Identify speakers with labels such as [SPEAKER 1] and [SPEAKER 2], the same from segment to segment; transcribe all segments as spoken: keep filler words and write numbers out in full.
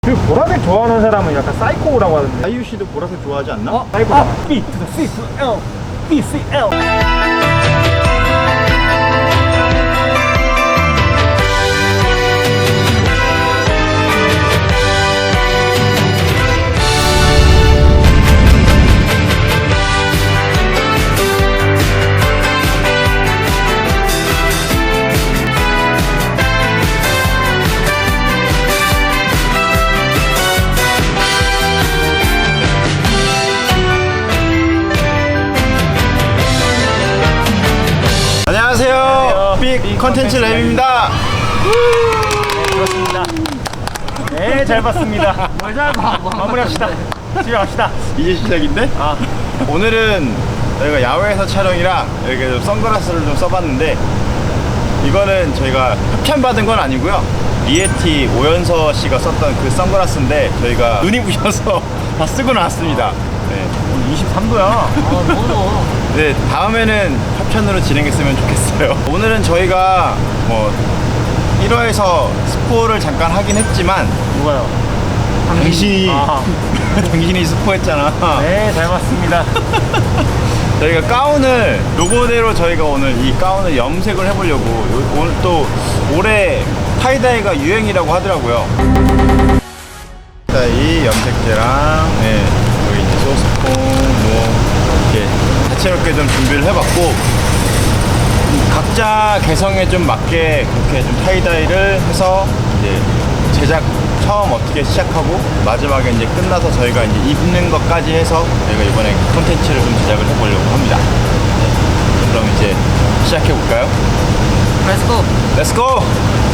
[SPEAKER 1] 그 보라색 좋아하는 사람은 약간 사이코라고 하던데.
[SPEAKER 2] 아이유 씨도 보라색 좋아하지 않나?
[SPEAKER 1] 어? 사이코다. 아, B to the C to the L, B C L.
[SPEAKER 2] 안녕하세요. 빅 컨텐츠 랩입니다.
[SPEAKER 1] 그렇습니다. 네, 잘 봤습니다. 잘 봐. 마무리합시다. 집에 갑시다.
[SPEAKER 2] 이제 시작인데?
[SPEAKER 1] 아,
[SPEAKER 2] 오늘은 저희가 야외에서 촬영이라 이렇게 좀 선글라스를 좀 써봤는데, 이거는 저희가 협찬받은 건 아니고요. 리에티 오연서 씨가 썼던 그 선글라스인데 저희가 눈이 부셔서 다 쓰고 나왔습니다. 네.
[SPEAKER 1] 이십삼 도야. 아, 너무.
[SPEAKER 2] 네, 다음에는 협찬으로 진행했으면 좋겠어요. 오늘은 저희가 뭐 일 화에서 스포를 잠깐 하긴 했지만,
[SPEAKER 1] 누가요?
[SPEAKER 2] 당신이
[SPEAKER 1] 아.
[SPEAKER 2] 당신이 스포했잖아.
[SPEAKER 1] 네, 잘 봤습니다.
[SPEAKER 2] 저희가 가운을 로고대로 저희가 오늘 이 가운을 염색을 해보려고. 요- 오늘 또 올해 타이다이가 유행이라고 하더라고요. 타이다이 염색제랑 네, 여기 이제 소스폼 뭐 이렇게 다채롭게 좀 준비를 해봤고, 각자 개성에 좀 맞게 그렇게 좀 타이다이를 해서 이제 제작 처음 어떻게 시작하고 마지막에 이제 끝나서 저희가 이제 입는 것까지 해서 저희가 이번에 콘텐츠를 좀 제작을 해보려고 합니다. 네. 그럼 이제 시작해 볼까요?
[SPEAKER 3] 렛츠고!
[SPEAKER 2] 렛츠고!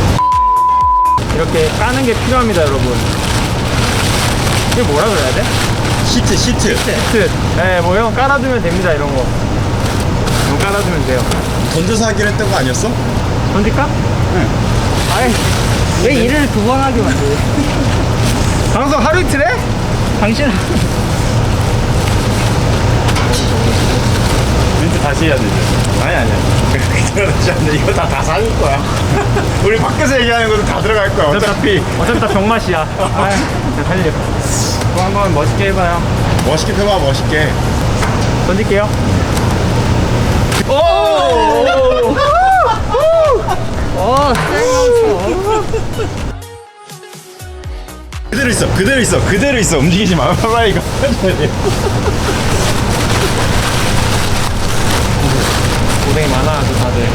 [SPEAKER 1] 이렇게 까는 게 필요합니다, 여러분. 이게 뭐라 그래야 돼?
[SPEAKER 2] 시트 시트.
[SPEAKER 1] 시트. 네, 뭐 이런 거 깔아두면 됩니다, 이런 거. 이거 깔아두면 돼요.
[SPEAKER 2] 던져서 하기로 했던 거 아니었어?
[SPEAKER 1] 던질까?
[SPEAKER 2] 응.
[SPEAKER 1] 아이,
[SPEAKER 3] 왜 일을 두 번 하게 만들어?
[SPEAKER 1] 방송 하루 이틀 해?
[SPEAKER 3] 당신
[SPEAKER 2] 멘트 다시 해야 되죠. 아니 아니야. 그렇지 않네. 이거 다 다 사줄 거야. 우리 밖에서 얘기하는 것도 다 들어갈 거야. 어차피
[SPEAKER 1] 어차피 다 병맛이야. 아이, 살려. 또 한번 멋있게 해봐요.
[SPEAKER 2] 멋있게 펴봐 멋있게.
[SPEAKER 1] 던질게요. 오!
[SPEAKER 3] 어, 쌩
[SPEAKER 2] 그대로 있어. 그대로 있어. 그대로 있어. 움직이지 마. 봐봐 이거.
[SPEAKER 1] 고생이 많아, 그 다들.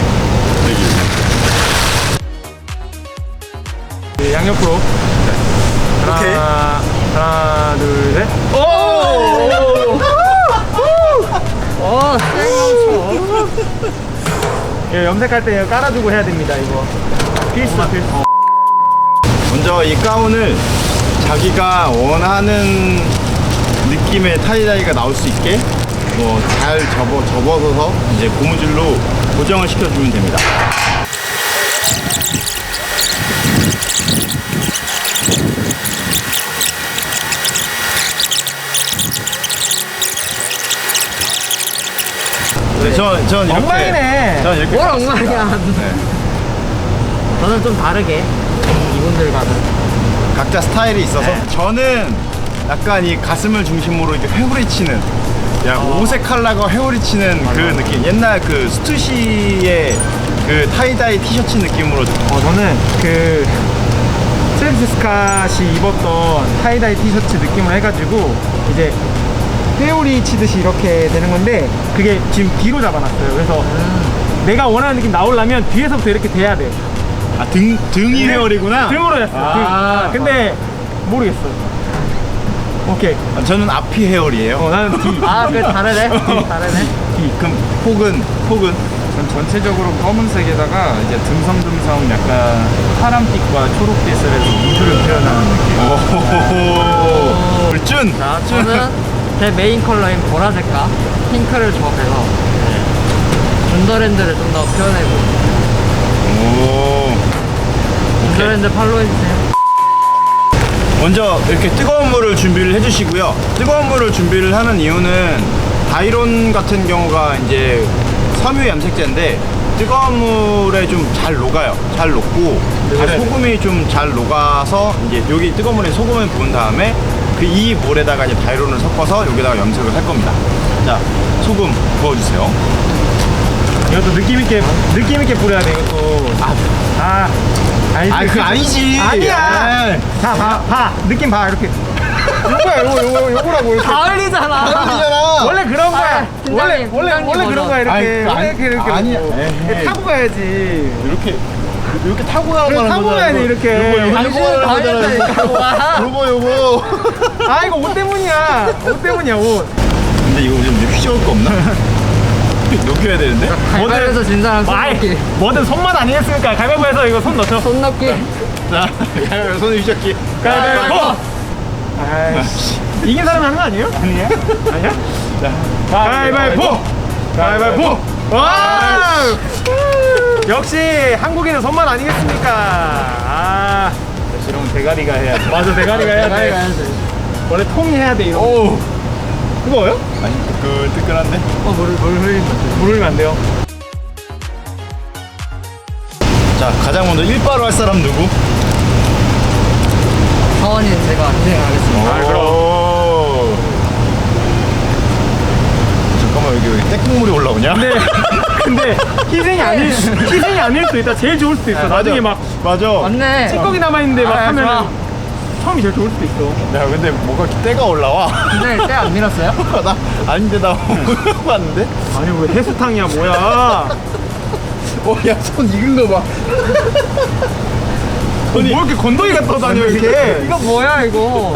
[SPEAKER 1] 네, 양옆으로.
[SPEAKER 2] 오케이.
[SPEAKER 1] 하나, 하나, 둘, 셋. 오!
[SPEAKER 3] 어, 쌩
[SPEAKER 1] 이거 염색할 때 이거 깔아주고 해야 됩니다, 이거. 필수, 필수.
[SPEAKER 2] 먼저 이 가운을 자기가 원하는 느낌의 타이다이가 나올 수 있게 뭐 잘 접어 접어서 이제 고무줄로 고정을 시켜주면 됩니다. 네, 전, 전 이렇게.
[SPEAKER 1] 엉망이네.
[SPEAKER 2] 전 이렇게.
[SPEAKER 3] 뭘
[SPEAKER 2] 깔았습니다.
[SPEAKER 3] 엉망이야.
[SPEAKER 2] 네.
[SPEAKER 3] 저는 좀 다르게 이분들과는
[SPEAKER 2] 각자 스타일이 있어서
[SPEAKER 1] 네.
[SPEAKER 2] 저는 약간 이 가슴을 중심으로 이렇게 회오리치는, 야
[SPEAKER 1] 어.
[SPEAKER 2] 오색 컬러가 회오리치는 그
[SPEAKER 1] 맞아.
[SPEAKER 2] 느낌. 옛날 그 스투시의 그 타이다이 티셔츠 느낌으로.
[SPEAKER 1] 어, 저는 그 트래비스 스캇이 입었던 타이다이 티셔츠 느낌을 해가지고 이제 회오리 치듯이 이렇게 되는 건데, 그게 지금 뒤로 잡아놨어요. 그래서 내가 원하는 느낌 나오려면 뒤에서부터 이렇게 돼야 돼.
[SPEAKER 2] 아, 등 등이 회오리구나.
[SPEAKER 1] 등으로 했어.
[SPEAKER 2] 아,
[SPEAKER 1] 등. 근데 모르겠어. 오케이.
[SPEAKER 2] 아, 저는 앞이 회오리예요.
[SPEAKER 1] 어, 나는 뒤.
[SPEAKER 3] 아, 그 다르네? 다르네?
[SPEAKER 2] 뒤. 그럼 폭은 폭은
[SPEAKER 4] 전 전체적으로 검은색에다가 이제 듬성듬성 약간 파란빛과 초록빛을 해서 우주를 표현하는 느낌.
[SPEAKER 2] 오. 불준.
[SPEAKER 3] 자, 저는 제 메인 컬러인 보라색과 핑크를 조합해서 준더랜드를 좀 더 표현해보고.
[SPEAKER 2] 오.
[SPEAKER 3] 준더랜드 팔로우해주세요.
[SPEAKER 2] 먼저 이렇게 뜨거운 물을 준비를 해주시고요. 뜨거운 물을 준비를 하는 이유는 다이론 같은 경우가 이제 섬유 염색제인데 뜨거운 물에 좀 잘 녹아요. 잘 녹고 이제 소금이 좀 잘 녹아서 이제 여기 뜨거운 물에 소금을 부은 다음에 그 이 물에다가 이제 다이론을 섞어서 여기다가 염색을 할 겁니다. 자, 소금 부어주세요.
[SPEAKER 1] 이것도 느낌 있게 느낌 있게 뿌려야 돼 이것도.
[SPEAKER 2] 아,
[SPEAKER 1] 아, 알지.
[SPEAKER 2] 아, 그거 아니지.
[SPEAKER 1] 아니야.
[SPEAKER 2] 에이.
[SPEAKER 1] 자, 봐, 봐. 느낌 봐 이렇게. 요거야, 요거, 요거, 요거라고 이렇게.
[SPEAKER 3] 가을이잖아.
[SPEAKER 2] 아니잖아.
[SPEAKER 1] 원래 그런 거야.
[SPEAKER 3] 아, 팀장님,
[SPEAKER 1] 원래 원래
[SPEAKER 3] 팀장님
[SPEAKER 1] 원래 그런
[SPEAKER 3] 버전.
[SPEAKER 1] 거야 이렇게.
[SPEAKER 2] 아니,
[SPEAKER 1] 원래
[SPEAKER 2] 아니,
[SPEAKER 1] 이렇게 이렇게.
[SPEAKER 2] 아니야.
[SPEAKER 1] 놓고.
[SPEAKER 2] 에헤이.
[SPEAKER 1] 타고 가야지.
[SPEAKER 2] 이렇게 이렇게 타고 가는
[SPEAKER 1] 그래,
[SPEAKER 2] 거잖아.
[SPEAKER 1] 타고 가야 돼,
[SPEAKER 2] 이거.
[SPEAKER 1] 이렇게.
[SPEAKER 2] 요거 요거
[SPEAKER 3] 당신은
[SPEAKER 2] 요거
[SPEAKER 3] 당했다니까. 와.
[SPEAKER 2] 요거 요거.
[SPEAKER 1] 아 이거 옷 때문이야. 옷 때문이야 옷.
[SPEAKER 2] 근데 이거 좀 휘저을 거 없나? 녹여야 되는데?
[SPEAKER 3] 가을에서 진 사람 손
[SPEAKER 1] 아이,
[SPEAKER 3] 넣기.
[SPEAKER 1] 뭐든 손맛 아니겠습니까? 가위바위보해서 이거 손 넣죠.
[SPEAKER 3] 손 넣기.
[SPEAKER 2] 자, 가위바위보 손 휘젓기.
[SPEAKER 1] 가위바위보. 아이씨. 이긴 사람이 하는 거 아니에요? 아니에요? 아니야?
[SPEAKER 2] 자,
[SPEAKER 1] 가위바위보. 가위바위보. 와! 역시 한국인은 손맛 아니겠습니까? 아,
[SPEAKER 2] 이런 대가리가 해야 돼.
[SPEAKER 1] 맞아 대가리가 해야
[SPEAKER 3] 가위
[SPEAKER 1] 돼.
[SPEAKER 3] 가야지.
[SPEAKER 1] 원래 통이 해야 돼 이거.
[SPEAKER 2] 오,
[SPEAKER 1] 그거요?
[SPEAKER 2] 아니 뜨끈뜨끈한데?
[SPEAKER 3] 어, 물, 물 흘린 거.
[SPEAKER 1] 물 흘리면 안 돼요.
[SPEAKER 2] 자, 가장 먼저 일바로 할 사람 누구?
[SPEAKER 3] 사원인 제가 진행하겠습니다.
[SPEAKER 1] 아, 그럼.
[SPEAKER 2] 오. 잠깐만 여기 왜 떼국물이 올라오냐?
[SPEAKER 1] 근데 근데 희생이 아닐 희생이 아닐 수도 있다. 제일 좋을 수도 있어. 나중에 막
[SPEAKER 2] 맞아.
[SPEAKER 3] 맞네.
[SPEAKER 1] 찌꺼기 남아 있는데 막
[SPEAKER 3] 아,
[SPEAKER 1] 하면
[SPEAKER 3] 좋아.
[SPEAKER 1] 처음이 제일 좋을 수도 있어.
[SPEAKER 2] 야, 근데 뭐가 이렇게 때가 올라와?
[SPEAKER 3] 근데 때 안 밀었어요?
[SPEAKER 2] 나 아닌데 나 봤는데?
[SPEAKER 1] 아니 왜 해수탕이야 뭐야?
[SPEAKER 2] 어, 야, 손 익은 거 봐.
[SPEAKER 1] 어, 뭐 이렇게 건더기가 떠다녀 이렇게?
[SPEAKER 3] 이거 뭐야 이거?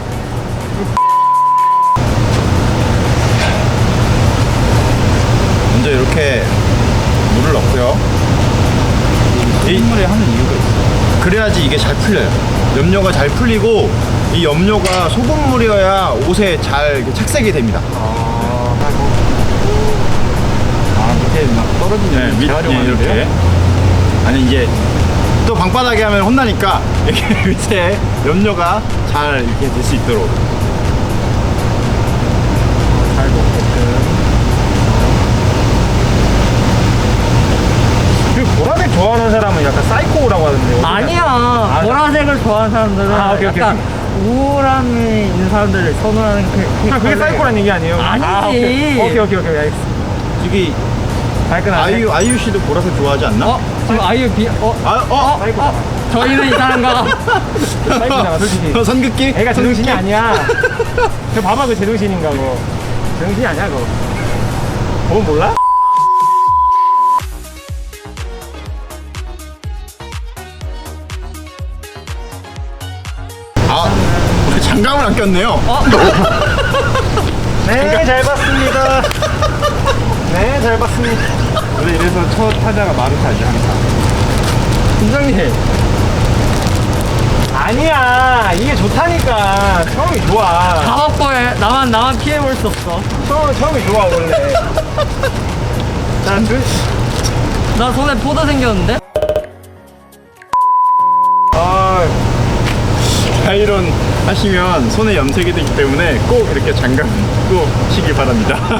[SPEAKER 2] 먼저 이렇게 물을 넣고요. 이 물에 하는 이유가 있어. 그래야지 이게 잘 풀려요. 염료가 잘 풀리고 이 염료가 소금물이어야 옷에 잘 이렇게 착색이 됩니다.
[SPEAKER 4] 아 밑에 막 떨어지는
[SPEAKER 2] 네, 밑 예, 이렇게. 아니 이제 또 방바닥에 하면 혼나니까 이렇게 밑에 염료가 잘 이렇게 될 수 있도록.
[SPEAKER 1] 잘 먹게끔. 그 보라색 좋아하는 사람은 약간 사이코라고 하던데. 어디가?
[SPEAKER 3] 아니야. 보라색을 좋아하는 사람들은
[SPEAKER 1] 아, 오케이, 오케이,
[SPEAKER 3] 약간 우울함이 있는 사람들을 선호하는 그, 그
[SPEAKER 1] 그냥 그게
[SPEAKER 3] 컬러예요.
[SPEAKER 1] 사이코란 얘기 아니에요?
[SPEAKER 3] 아니지.
[SPEAKER 1] 아, 오케이 오케이 오케이, 오케이 알겠어.
[SPEAKER 2] 저기
[SPEAKER 1] 발끈하네.
[SPEAKER 2] 아이유 아이유 씨도 보라색 좋아하지 않나?
[SPEAKER 3] 어? 지금 아이유 비.. 어?
[SPEAKER 2] 아, 어?
[SPEAKER 1] 사이코다.
[SPEAKER 3] 저희는 이상한가?
[SPEAKER 1] 사이코잖아 솔직히.
[SPEAKER 2] 어, 선긋기?
[SPEAKER 1] 애가 제정신이 아니야. 저 봐봐 그 제정신인가 그거. 제정신이 아니야 그거. 그건 몰라?
[SPEAKER 2] 아, 우리 장갑을 안 꼈네요.
[SPEAKER 1] 네, 잘 봤습니다. 네, 잘 봤습니다.
[SPEAKER 4] 원래 이래서 첫 타자가 마루타지 항상.
[SPEAKER 3] 팀장님.
[SPEAKER 1] 아니야, 이게 좋다니까. 처음이 좋아.
[SPEAKER 3] 다 확보해. 나만 나만 피해볼 수 없어.
[SPEAKER 1] 처음, 처음이 좋아, 원래. 난 그,
[SPEAKER 3] 나 손에 포도 생겼는데?
[SPEAKER 1] 아,
[SPEAKER 2] 아이론 하시면 손에 염색이 되기 때문에 꼭 이렇게 장갑 끼고 시길 바랍니다.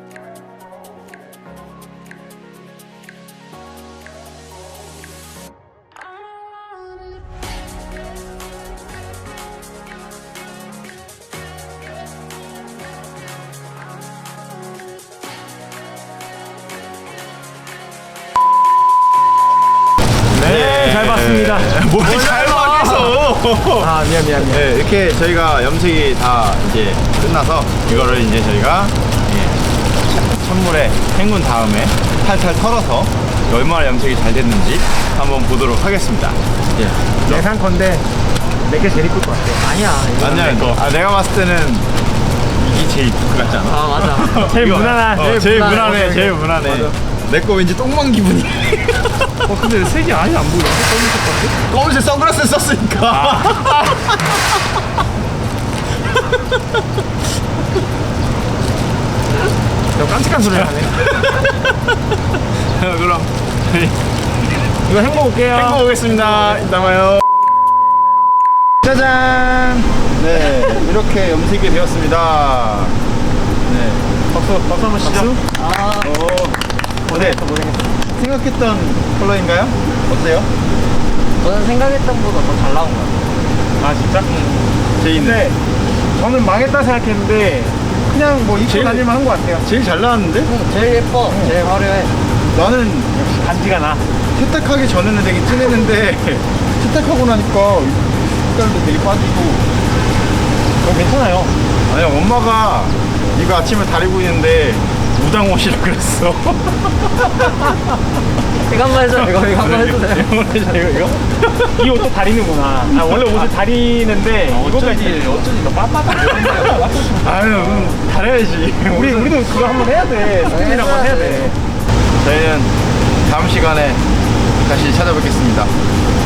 [SPEAKER 1] 네, 잘 봤습니다.
[SPEAKER 2] 뭘잘 봐겠어.
[SPEAKER 1] 아, 미안, 미안, 미안.
[SPEAKER 2] 네, 이렇게 저희가 염색이 다 이제 끝나서 이거를 이제 저희가 예, 찬물에 헹군 다음에 탈탈 털어서 얼마나 염색이 잘 됐는지 한번 보도록 하겠습니다. 예.
[SPEAKER 1] 예상컨대 내게 제일 이쁠 것 같아.
[SPEAKER 3] 아니야. 이거
[SPEAKER 2] 아니야,
[SPEAKER 3] 내 거.
[SPEAKER 2] 아, 내가 봤을 때는 이게 제일 이쁠 것 같지 않아?
[SPEAKER 3] 아 맞아.
[SPEAKER 1] 제일
[SPEAKER 2] 이거,
[SPEAKER 1] 무난한.
[SPEAKER 2] 어,
[SPEAKER 3] 제일
[SPEAKER 2] 제일
[SPEAKER 3] 무난해.
[SPEAKER 2] 무난해, 제일 무난해. 내 거 왠지 똥망 기분이.
[SPEAKER 4] 어 근데 색이 아예 안 보여. 검은색 같아?
[SPEAKER 2] 검은색 선글라스 썼으니까.
[SPEAKER 1] 저 깜찍한 소리 하네.
[SPEAKER 2] 그럼
[SPEAKER 1] 이거 헹궈 볼게요.
[SPEAKER 2] 헹궈 보겠습니다. 이따 봐요. 짜잔. 네, 이렇게 염색이 되었습니다. 네,
[SPEAKER 1] 박수, 박수 한번 치죠.
[SPEAKER 3] 아
[SPEAKER 2] 오, 네. 생각했던 컬러인가요? 어때요?
[SPEAKER 3] 저는 생각했던 것보다 더 잘 나온 것 같아요.
[SPEAKER 1] 아 진짜?
[SPEAKER 2] 제이는
[SPEAKER 1] 근데 저는 망했다 생각했는데 그냥 뭐 입고
[SPEAKER 2] 제일-
[SPEAKER 1] 다닐만 한 것 같아요.
[SPEAKER 2] 제일 잘 나왔는데?
[SPEAKER 3] 응, 제일 예뻐, 제일 화려해.
[SPEAKER 2] 나는
[SPEAKER 1] 역시 간지가 나.
[SPEAKER 2] 세탁하기 전에는 되게 진했는데 세탁하고 나니까 색깔도 되게 빠지고.
[SPEAKER 1] 어, 괜찮아요.
[SPEAKER 2] 아니 엄마가 이거 아침에 다리고 있는데 무당 옷이라 그랬어.
[SPEAKER 3] 이거 한번 해줘, 이거, 이거 한번 해주세요.
[SPEAKER 2] 이거 이거 이거?
[SPEAKER 1] 이 옷도 다리는구나. 아, 원래 옷을 다리는데 이거까지.
[SPEAKER 4] 어쩐지 너 빳빳하게
[SPEAKER 2] 아유 음, 다려야지.
[SPEAKER 1] 우리 우리도 그거 한번 해야 돼. 스피드랑 한번 해야 돼.
[SPEAKER 2] 저희는 다음 시간에 다시 찾아뵙겠습니다.